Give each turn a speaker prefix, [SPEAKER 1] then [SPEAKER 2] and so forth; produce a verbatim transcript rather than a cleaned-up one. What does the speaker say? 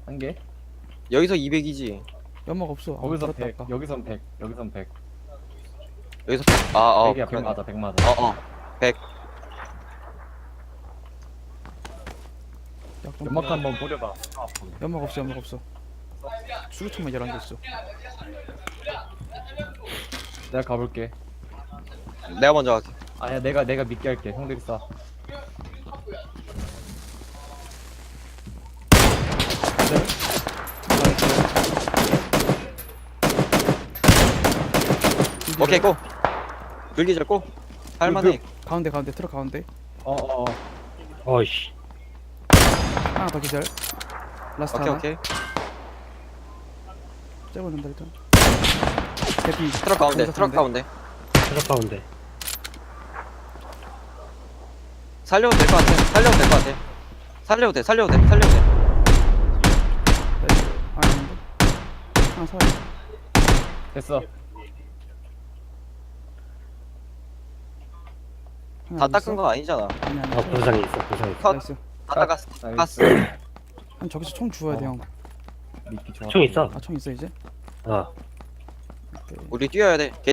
[SPEAKER 1] 한 개?
[SPEAKER 2] 여기서 이백이지.
[SPEAKER 3] 연막 없어. 아,
[SPEAKER 1] 거기서
[SPEAKER 3] 그렇다,
[SPEAKER 1] 백,
[SPEAKER 3] 아까.
[SPEAKER 1] 여기선 백, 여기선 백.
[SPEAKER 2] 여기서 백. 아, 어.
[SPEAKER 1] 백이야, 백
[SPEAKER 2] 그러네.
[SPEAKER 1] 맞아, 백 맞아.
[SPEAKER 2] 어, 어. 백.
[SPEAKER 3] 약 좀-
[SPEAKER 1] 연막 한번 뿌려봐.
[SPEAKER 3] 연막 없어, 연막 없어. 수류탄만 열한 개 있어.
[SPEAKER 1] 내가 가볼게.
[SPEAKER 2] 내가 먼저 갈게.
[SPEAKER 1] 아니야, 내가 내가 믿게 할게. 형들이 쏴.
[SPEAKER 2] 오케이, 고. 불기절 고. 할만해.
[SPEAKER 3] 가운데, 가운데, 트럭 가운데.
[SPEAKER 1] 어, 어, 어.
[SPEAKER 4] 어이씨.
[SPEAKER 3] 하나 더 기절. 라스트
[SPEAKER 2] 오케이,
[SPEAKER 3] 하나.
[SPEAKER 2] 오케이.
[SPEAKER 3] 째고 있는다 일단. 대피.
[SPEAKER 2] 트럭 가운데, 트럭 가운데.
[SPEAKER 4] 트럭 가운데.
[SPEAKER 2] 살려도 될 것 같아. 살려도 될 것 같아. 살려도 돼, 살려도 돼, 살려도 돼.
[SPEAKER 3] 아닌데. 하나 살.
[SPEAKER 1] 됐어.
[SPEAKER 2] 다 닦은 거 아니잖아.
[SPEAKER 3] 아니 아니.
[SPEAKER 4] 아, 부상이 있어, 부상이 있어.
[SPEAKER 2] 컷.
[SPEAKER 3] 나이스.
[SPEAKER 2] 다 닦았어.
[SPEAKER 1] 나이스.
[SPEAKER 2] 깠어.
[SPEAKER 3] 한 저기서 총 주워야 돼
[SPEAKER 1] 어.
[SPEAKER 3] 형.
[SPEAKER 1] 믿기 좋아.
[SPEAKER 4] 총 있어.
[SPEAKER 3] 아 총 있어 이제?
[SPEAKER 4] 어.
[SPEAKER 3] 오케이.
[SPEAKER 2] 우리 뛰어야 돼.